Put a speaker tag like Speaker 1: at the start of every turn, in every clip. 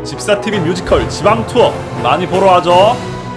Speaker 1: 집사TV 뮤지컬 지방투어 많이 보러 와줘.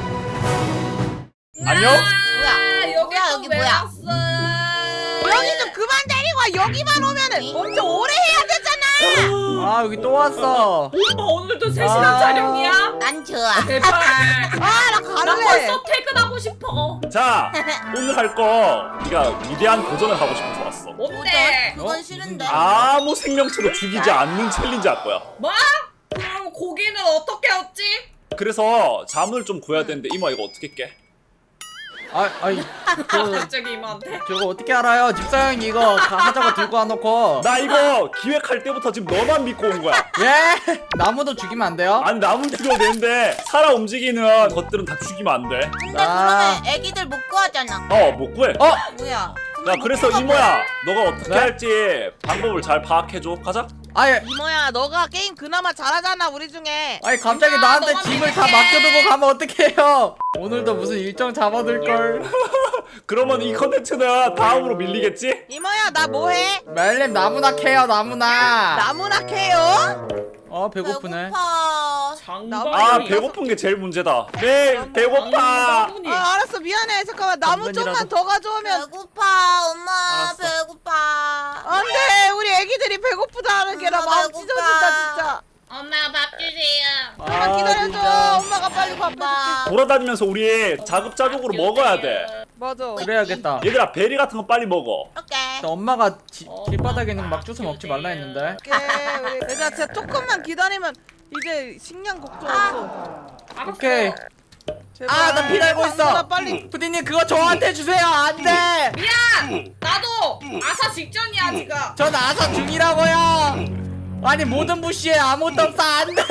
Speaker 1: 안녕?
Speaker 2: 뭐야?
Speaker 3: 여기 뭐야?
Speaker 2: 여기 좀 그만 데리고 와. 여기만 오면은 엄청 오래 해야 되잖아.
Speaker 4: 아 여기 또 왔어.
Speaker 3: 엄마 오늘도 3시간 촬영이야?
Speaker 2: 난 좋아.
Speaker 3: 제발.
Speaker 2: 나
Speaker 3: 나
Speaker 2: 갈래.
Speaker 3: 벌써 퇴근하고 싶어.
Speaker 1: 자, 오늘 할 거 네가 위대한 도전을 하고 싶어서 왔어.
Speaker 3: 뭔데?
Speaker 2: 그건 싫은데.
Speaker 1: 아무 생명체도 죽이지 않는 챌린지 할 거야.
Speaker 3: 뭐? 그럼 고기는 어떻게 얻지?
Speaker 1: 그래서 자문을 좀 구해야 되는데 이모 이거 어떻게 깨?
Speaker 4: 아니
Speaker 3: 갑자기 이모한테?
Speaker 4: 저거 어떻게 알아요? 집사형이 이거 하자고 들고 와놓고.
Speaker 1: 나 이거 기획할 때부터 지금 너만 믿고 온 거야.
Speaker 4: 예? 나무도 죽이면 안 돼요?
Speaker 1: 아니 나무 죽여도 되는데 살아 움직이는 것들은 다 죽이면 안 돼.
Speaker 2: 근데
Speaker 4: 아.
Speaker 2: 그러면 애기들 못 구하잖아.
Speaker 1: 못 구해.
Speaker 2: 뭐야?
Speaker 1: 야 그래서 이모야 너가 어떻게
Speaker 4: 네?
Speaker 1: 할지 방법을 잘 파악해줘. 가자.
Speaker 4: 아니
Speaker 2: 이모야, 너가 게임 그나마 잘하잖아 우리 중에.
Speaker 4: 갑자기
Speaker 3: 엄마,
Speaker 4: 나한테
Speaker 3: 너만
Speaker 4: 짐을 다
Speaker 3: 믿을게.
Speaker 4: 맡겨두고 가면 어떡해요? 오늘도 무슨 일정 잡아둘걸.
Speaker 1: 그러면 이 컨텐츠는 다음으로 밀리겠지?
Speaker 2: 이모야, 나 뭐해?
Speaker 4: 멜님 나무나 캐요 나무나.
Speaker 2: 나무나 캐요?
Speaker 4: 배고프네.
Speaker 1: 아 배고픈 게 제일 문제다. 네 배고파.
Speaker 2: 알았어, 미안해. 잠깐만, 나무 좀만 더 가져오면.
Speaker 5: 배고파 엄마
Speaker 4: 알았어.
Speaker 5: 배고파
Speaker 2: 안돼, 우리 애기들이 배고프다는 게나 마음
Speaker 5: 배고파.
Speaker 2: 찢어진다 진짜.
Speaker 3: 엄마 밥 주세요.
Speaker 2: 엄마 기다려줘.
Speaker 4: 진짜.
Speaker 2: 엄마가 빨리 밥 해줄게.
Speaker 1: 돌아다니면서 우리 자급자족으로 먹어야 돼.
Speaker 2: 맞아.
Speaker 4: 그래야겠다.
Speaker 1: 얘들아 베리 같은 거 빨리 먹어.
Speaker 5: 오케이
Speaker 4: 엄마가 길바닥에 있는 막 주워 먹지 말라 했는데.
Speaker 2: 오케이. 우리 얘들아, 진짜 조금만 기다리면 이제 식량 걱정 없어.
Speaker 4: 오케이.
Speaker 2: 제발.
Speaker 4: 나 피 날고 있어.
Speaker 2: 나 빨리.
Speaker 4: 푸디님 그거 저한테 주세요. 안 돼.
Speaker 3: 미안! 나도 아사 직전이야 지금.
Speaker 4: 전 아사 중이라고요. 아니 모든 부시에 아무것도 없어. 안 돼.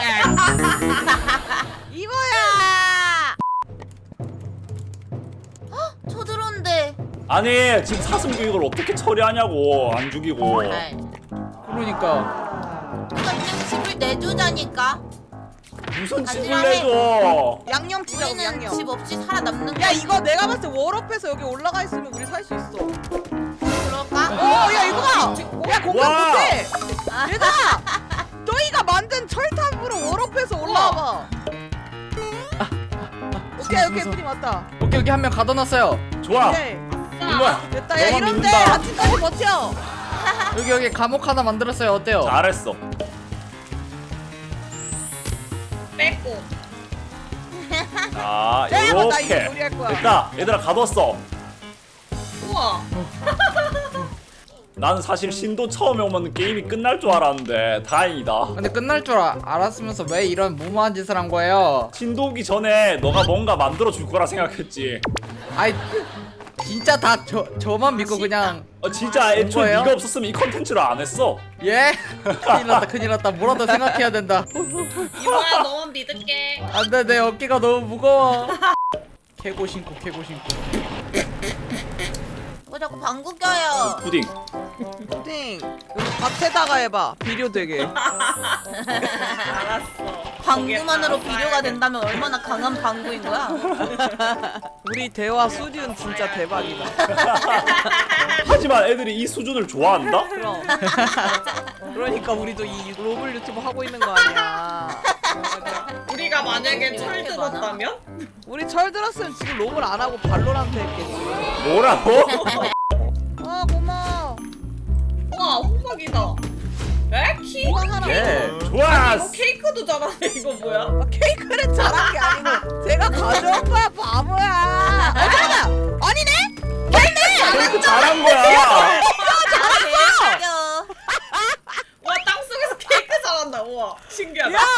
Speaker 2: 이모야.
Speaker 5: 쳐들어온대
Speaker 1: 아니 지금 사슴 교육을 어떻게 처리하냐고 안 죽이고.
Speaker 4: 그러니까
Speaker 5: 그냥 집을 내주자니까
Speaker 1: 무슨 집을
Speaker 5: 하지만
Speaker 1: 내줘.
Speaker 2: 양념 치자고,
Speaker 5: 우리는
Speaker 2: 양념.
Speaker 5: 집 없이 살아남는
Speaker 2: 야, 이거 내가 봤을 때 월업해서 여기 올라가 있으면 우리 살 수 있어.
Speaker 5: 그럴까?
Speaker 2: 야, 이거 봐. 야, 공감
Speaker 1: 와.
Speaker 2: 못해. 얘들아, 너희가 만든 철탑으로 월업해서 올라와봐. 오케이, 푸디 맞다.
Speaker 4: 오케이 여기 한 명 가둬놨어요.
Speaker 1: 좋아.
Speaker 2: 오케이.
Speaker 1: 이모야
Speaker 2: 됐다. 야,
Speaker 1: 너만
Speaker 2: 이런데
Speaker 1: 믿는다.
Speaker 2: 아침까지 버텨.
Speaker 4: 여기 감옥 하나 만들었어요. 어때요?
Speaker 1: 잘했어.
Speaker 3: 뺏고.
Speaker 1: 자
Speaker 2: 나 이거
Speaker 1: 이렇게
Speaker 2: 요리할 거야.
Speaker 1: 됐다. 얘들아 가뒀어.
Speaker 3: 우와.
Speaker 1: 나는 사실 신도 처음에 오면 게임이 끝날 줄 알았는데 다행이다.
Speaker 4: 근데 끝날 줄 알았으면서 왜 이런 무모한 짓을 한 거예요?
Speaker 1: 신도 오기 전에 너가 뭔가 만들어 줄 거라 생각했지.
Speaker 4: 아이 진짜 다 저만 믿고 그냥
Speaker 1: 진짜 애초에
Speaker 4: 뭐예요?
Speaker 1: 네가 없었으면 이 컨텐츠를 안 했어.
Speaker 4: 예? 큰일 났다 뭐라도 생각해야 된다.
Speaker 3: 이모야 너만 믿을게.
Speaker 4: 안돼 내 어깨가 너무 무거워. 캐고 신고
Speaker 5: 왜 자꾸 방구 껴요
Speaker 1: 푸딩.
Speaker 2: 푸딩. 여기 밭에다가 해봐. 비료 되게.
Speaker 3: 알았어.
Speaker 5: 방구만으로 비료가 된다면 얼마나 강한 방구인 거야
Speaker 2: 우리 대화 수준 진짜 대박이다.
Speaker 1: 하지만 애들이 이 수준을 좋아한다?
Speaker 2: 그럼. 그러니까 우리도 이 로블 유튜브 하고 있는 거 아니야.
Speaker 3: 우리가 만약에 철 들었다면?
Speaker 2: 우리 철 들었으면 지금 로블 안 하고 발로란트 했겠지.
Speaker 1: 뭐라고?
Speaker 2: 아, 고마워.
Speaker 3: 우와 호박이다. 에? 키?
Speaker 2: 이거 하나.
Speaker 4: 예.
Speaker 3: 이거
Speaker 1: 좋았어.
Speaker 3: 케이크도 잘하네. 이거 뭐야?
Speaker 2: 아, 케이크를 잘한 게 아니고 제가 가져온 거야, 바보야. 잠깐만. 아니네?
Speaker 1: 케이크 잘한 거야.
Speaker 5: 잘했어
Speaker 3: 와 땅속에서 케이크 잘한다. 우와 신기하다.
Speaker 2: 야!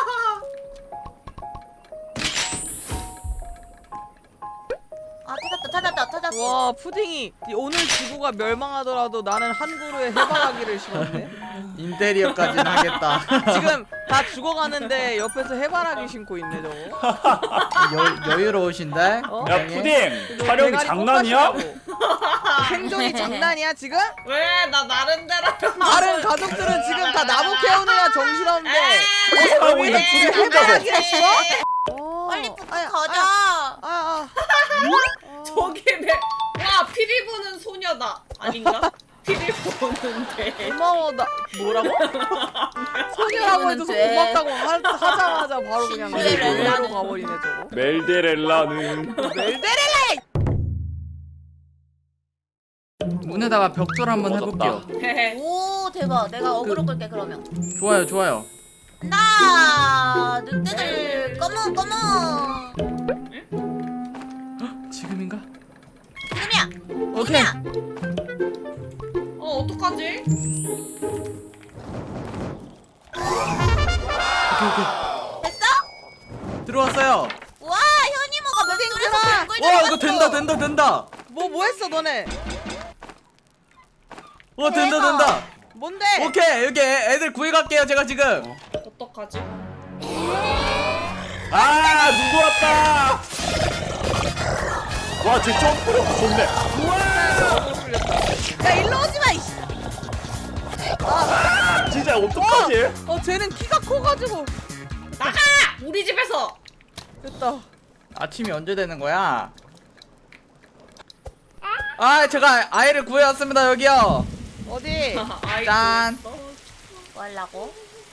Speaker 5: 찾았어
Speaker 2: 와, 푸딩이 오늘 지구가 멸망하더라도 나는 한 그루에 해바라기를 심었네.
Speaker 4: 인테리어까지는 하겠다.
Speaker 2: 지금 다 죽어가는데 옆에서 해바라기 심고 있네 저거.
Speaker 4: 여유로우신데?
Speaker 2: 어?
Speaker 1: 야
Speaker 4: 굉장히?
Speaker 1: 푸딩 촬영이
Speaker 2: 대가리
Speaker 1: 장난이야?
Speaker 2: 꽃밭이라고. 생존이 장난이야 지금?
Speaker 3: 왜 나 나름대로
Speaker 2: 다른 가족들은 지금 다 나무 캐오느라 정신없는데
Speaker 1: 하고 있는
Speaker 2: 우리
Speaker 1: 푸딩 혼자서.
Speaker 2: 해바라기를 심어?
Speaker 5: 빨리 푸드
Speaker 2: 아야,
Speaker 5: 가자
Speaker 2: 아.
Speaker 3: 저기 내 와 피리 부는 소녀다 아닌가? 피를 보는데.
Speaker 2: 고마워 나 뭐라고? 소녀라고 해줘서
Speaker 5: 돼.
Speaker 2: 고맙다고 하자마자 바로 그냥
Speaker 5: 신데렐라는.
Speaker 2: 멜로 가버리네 저거.
Speaker 1: 멜데렐라는
Speaker 2: 멜데렐라.
Speaker 4: 문에다가 벽돌 한번 해볼게요.
Speaker 5: 오 대박. 내가 어그로 끌게 그러면.
Speaker 4: 좋아요 좋아요.
Speaker 5: 나 늑대들 검은.
Speaker 4: 지금인가?
Speaker 5: 지금이야.
Speaker 4: 오케이.
Speaker 3: 어떡하지?
Speaker 5: 됐어?
Speaker 4: 들어왔어요.
Speaker 5: 와 현이모가 벽돌에서
Speaker 2: 땡큐라.
Speaker 5: 벽돌
Speaker 4: 와 이거 된다.
Speaker 2: 뭐 했어 너네?
Speaker 4: 된다.
Speaker 2: 뭔데?
Speaker 4: 오케이 여기 애들 구해갈게요 제가 지금.
Speaker 3: 어떡하지?
Speaker 1: 아 눈 돌았다. 와쟤 점프력 좋네.
Speaker 2: 야 일로 오지 마. 이씨.
Speaker 1: 진짜 어떡하지?
Speaker 2: 쟤는 키가 커가지고
Speaker 3: 나가! 우리 집에서!
Speaker 2: 됐다.
Speaker 4: 아침이 언제 되는 거야? 아 제가 아이를 구해왔습니다 여기요.
Speaker 2: 어디?
Speaker 3: 아이고.
Speaker 4: 짠.
Speaker 5: 뭐 하려고?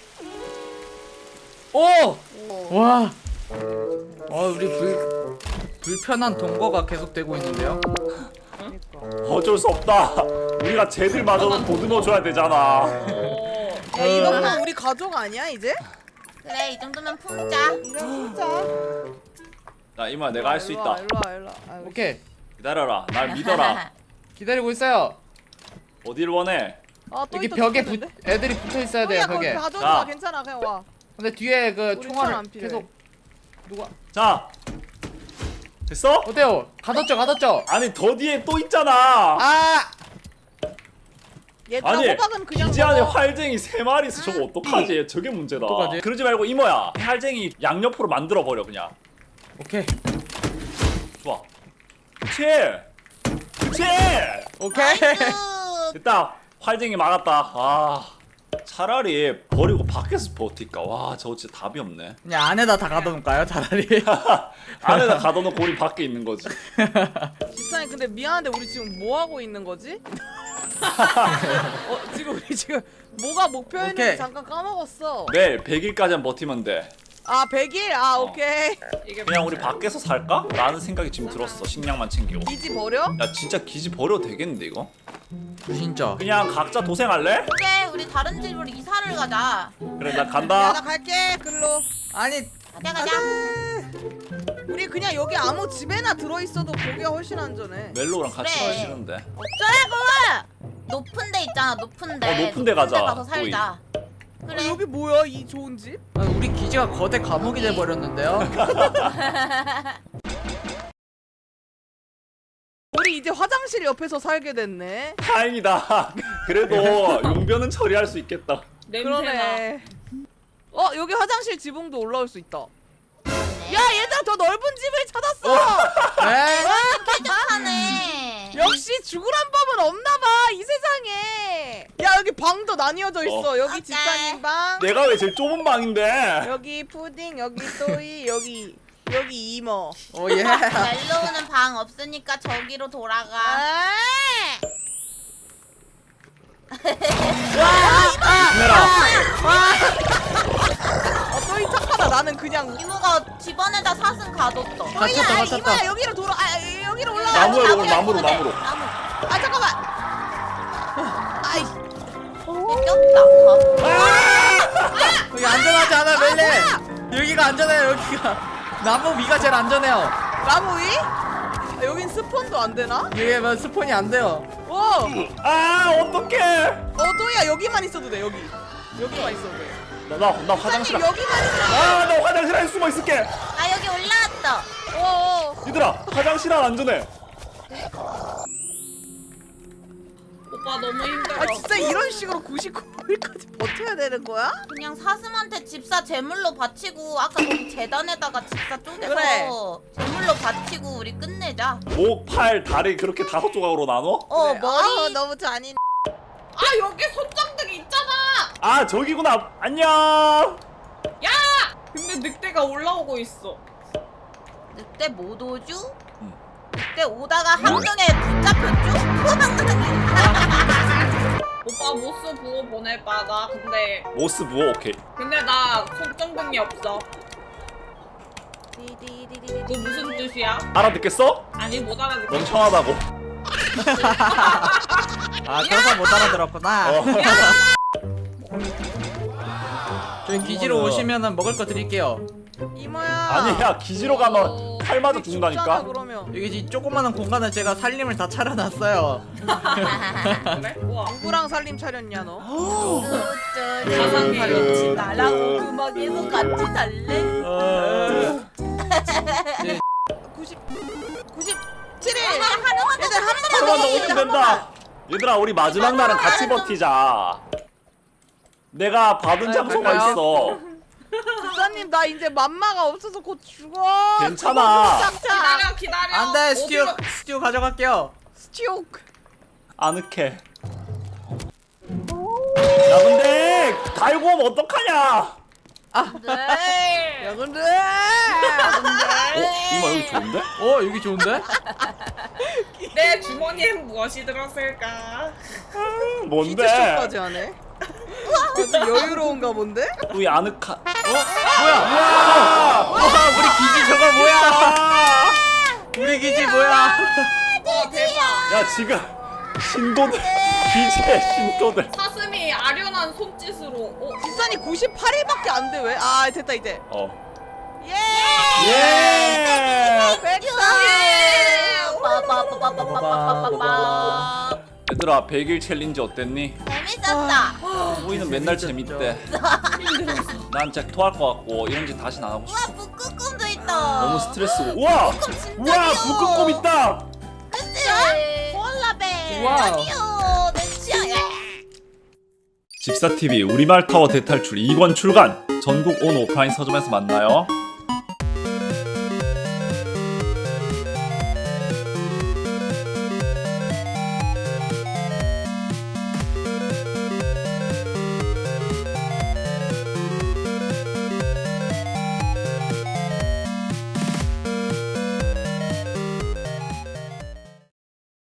Speaker 4: 오!
Speaker 5: 오.
Speaker 4: 와. 우리 불편한 동거가 계속되고 있는데요.
Speaker 1: 어쩔 수 없다. 우리가 쟤들마저도 보듬어줘야 되잖아.
Speaker 3: 오.
Speaker 2: 야 이 정도면 우리 가족 아니야 이제?
Speaker 5: 그래 이 정도면 품자.
Speaker 2: 그래 진짜.
Speaker 1: 나 이마 내가 할 수 있다.
Speaker 2: 일로 와. 아이고.
Speaker 4: 오케이
Speaker 1: 기다려라. 날 믿어라.
Speaker 4: 기다리고 있어요.
Speaker 1: 어딜 원해?
Speaker 2: 또
Speaker 4: 여기
Speaker 2: 있다,
Speaker 4: 벽에
Speaker 2: 죽겠는데?
Speaker 4: 애들이 붙어 있어야 돼요
Speaker 2: 야 거기
Speaker 4: 벽에.
Speaker 2: 가져줘.
Speaker 1: 자.
Speaker 2: 괜찮아 그냥 와.
Speaker 4: 근데 뒤에 그
Speaker 2: 우리
Speaker 4: 총알을
Speaker 2: 총안 안 필요해.
Speaker 4: 계속 누가
Speaker 1: 자 됐어?
Speaker 4: 어때요? 가뒀죠?
Speaker 1: 아니 더 뒤에 또 있잖아.
Speaker 4: 아!
Speaker 2: 얘들아
Speaker 1: 아니
Speaker 2: 호박은 그냥
Speaker 1: 기지 안에
Speaker 2: 먹어.
Speaker 1: 활쟁이 3마리 있어. 저거 어떡하지? 저게 문제다.
Speaker 4: 어떡하지?
Speaker 1: 그러지 말고 이모야 활쟁이 양옆으로 만들어 버려 그냥.
Speaker 4: 오케이
Speaker 1: 좋아. 그치?
Speaker 4: 오케이.
Speaker 5: 나이스.
Speaker 1: 됐다. 활쟁이 막았다. 아 차라리 버리고 밖에서 버틸까. 와 저거 진짜 답이 없네.
Speaker 4: 그냥 안에다 다 가둬놓을까요 차라리?
Speaker 1: 안에다 가둬놓고 우리 밖에 있는 거지.
Speaker 2: 집사님 근데 미안한데 우리 지금 뭐 하고 있는 거지? 지금 우리 지금 뭐가 목표였는지
Speaker 4: 오케이.
Speaker 2: 잠깐 까먹었어.
Speaker 1: 내일 100일까지만 버티면 돼.
Speaker 2: 100일? 오케이.
Speaker 3: 이게
Speaker 1: 그냥 우리 밖에서 살까? 라는 생각이 지금 들었어. 식량만 챙기고.
Speaker 2: 기지 버려?
Speaker 1: 야 진짜 기지 버려도 되겠는데 이거?
Speaker 4: 진짜.
Speaker 1: 그냥 각자 도생할래?
Speaker 5: 그래 우리 다른 집으로 이사를 가자.
Speaker 1: 그래 나
Speaker 2: 야, 나
Speaker 1: 간다.
Speaker 2: 갈게 글로.
Speaker 4: 아니
Speaker 5: 가자.
Speaker 2: 우리 그냥 여기 아무 집에나 들어있어도 보기가 훨씬 안전해.
Speaker 1: 멜로랑 같이
Speaker 5: 그래.
Speaker 1: 가기 싫은데.
Speaker 5: 어쩌라고? 높은 데 있잖아 높은 데.
Speaker 1: 높은 데 가자,
Speaker 5: 가서 살자. 그래.
Speaker 2: 여기 뭐야 이 좋은 집?
Speaker 4: 우리 기지가 거대 감옥이 돼버렸는데요.
Speaker 2: 우리 이제 화장실 옆에서 살게 됐네.
Speaker 1: 다행이다. 그래도 용변은 처리할 수 있겠다.
Speaker 3: 냄새나.
Speaker 2: 그러네. 여기 화장실 지붕도 올라올 수 있다. 야 얘들아 더 넓은 집을 찾았어.
Speaker 4: 네?
Speaker 5: 쾌적하네.
Speaker 2: 역시 죽으란 법은 없나봐 이 세상에. 야 여기 방도 나뉘어져 있어. 여기
Speaker 5: 오케이.
Speaker 2: 집사님 방,
Speaker 1: 내가 왜 제일 좁은 방인데?
Speaker 2: 여기 푸딩, 여기 또이, 여기 이모.
Speaker 4: 오 예.
Speaker 5: 멜로우는 방 없으니까 저기로 돌아가.
Speaker 1: 카메라.
Speaker 2: 또이 착하다. 나는 그냥.
Speaker 5: 이모가 집안에다 사슴 가뒀어.
Speaker 4: 갇혔다.
Speaker 2: 이모야 여기로 돌아. 여기로 올라가.
Speaker 1: 나무에 오늘 나무로.
Speaker 5: 나무.
Speaker 2: 잠깐만. 아이.
Speaker 5: 꼈다.
Speaker 4: 여기 안전하지 않아 멜레. 여기가 안전해요 여기가. 나무 위가 제일 안전해요.
Speaker 2: 나무 위? 여긴 스폰도 안 되나?
Speaker 4: 이게 뭐 스폰이 안 돼요.
Speaker 1: 아 어떡해.
Speaker 2: 또이야 여기만 있어도 돼. 여기만 있어도 돼.
Speaker 1: 나 화장실.
Speaker 2: 사장님 여기만 있어도 돼.
Speaker 1: 나 화장실 안에 숨어 있을게.
Speaker 5: 아 여기 올라왔어.
Speaker 1: 얘들아 화장실 안 안전해.
Speaker 3: 오빠 너무 힘들어.
Speaker 2: 진짜 이런 식으로 99일까지 버텨야 되는 거야?
Speaker 5: 그냥 사슴한테 집사 제물로 바치고 아까 거기 재단에다가 집사 쪼개서
Speaker 2: 그래.
Speaker 5: 제물로 바치고 우리 끝내자.
Speaker 1: 목, 팔, 다리 그렇게 5조각으로 나눠?
Speaker 2: 그래.
Speaker 5: 머리.
Speaker 2: 너무 잔인.
Speaker 3: 여기 손장등이 있잖아.
Speaker 1: 아 저기구나. 안녕.
Speaker 3: 야! 근데 늑대가 올라오고 있어.
Speaker 5: 늑대 못 오주? 늑대 오다가 함정에 붙잡혔죠?
Speaker 3: 오빠 모스 부호 보내봐. 나
Speaker 1: 모스 무어 오케이.
Speaker 3: 근데 나 손전등이 없어. 그거 무슨 뜻이야?
Speaker 1: 알아듣겠어?
Speaker 3: 아니 못 알아듣겠어.
Speaker 1: 멍청하다고.
Speaker 4: 아 그래서 못 알아들었구나.
Speaker 1: 어.
Speaker 4: 저희 기지로 오시면은 먹을 거 드릴게요.
Speaker 2: 이모야.
Speaker 1: 아니야 기지로 가면 칼 맞아 죽는다니까.
Speaker 2: 그러면.
Speaker 4: 여기 이 조그마한 공간을 제가 살림을 다 차려놨어요.
Speaker 3: 그래? 우와.
Speaker 2: 누구랑 살림 차렸냐 너?
Speaker 3: 가상의
Speaker 5: 같이 나랑 음악에서 같이 살래?
Speaker 4: 네.
Speaker 2: 97일.
Speaker 5: 하나만
Speaker 2: 얘들 한 번만
Speaker 1: 잠깐만 너
Speaker 2: 더
Speaker 1: 오면 된다. 얘들아 우리 마지막 날은 같이 버티자. 내가 받은 장소가
Speaker 4: 갈까요?
Speaker 1: 있어.
Speaker 2: 집사님 나 이제 맘마가 없어서 곧 죽어.
Speaker 1: 괜찮아.
Speaker 3: 기다려.
Speaker 4: 안돼 스튜 가져갈게요.
Speaker 2: 스티옥.
Speaker 1: 아늑해. 야 근데 달고 오면 어떡하냐?
Speaker 2: 네. 야 근데.
Speaker 1: 이마 여기 좋은데?
Speaker 4: 여기 좋은데?
Speaker 3: 내 주머니엔 무엇이 들었을까?
Speaker 1: 뭔데?
Speaker 2: 피트쇼까지 하네. 아주 여유로운가 본데?
Speaker 1: 우리 아늑한.
Speaker 4: 뭐야? 와 우리 기지 저거 뭐야? 우리 기지 뭐야?
Speaker 3: 와 대박.
Speaker 1: 야 지금 신도들 기지의 신도들.
Speaker 3: 사슴이 아련한 손짓으로.
Speaker 2: 집사님 98일밖에 안 돼 왜? 아 됐다 이제. 예.
Speaker 1: 예.
Speaker 5: 빠빠빠빠빠빠빠빠.
Speaker 1: 얘들아 100일 챌린지 어땠니?
Speaker 5: 재밌었다.
Speaker 1: 우리는 맨날 재밌대. 난 진짜 토할 것 같고 이런 짓 다시는 안 하고 싶어.
Speaker 5: 우와 북극곰도 있다.
Speaker 1: 너무 스트레스고. 우와!
Speaker 5: 진짜
Speaker 1: 우와
Speaker 5: 귀여워.
Speaker 1: 북극곰 있다.
Speaker 5: 그치? 콜라벨.
Speaker 4: 와우.
Speaker 5: 아니요 내 취향.
Speaker 1: 집사TV 우리말 타워 대탈출 2권 출간. 전국 온 오프라인 서점에서 만나요.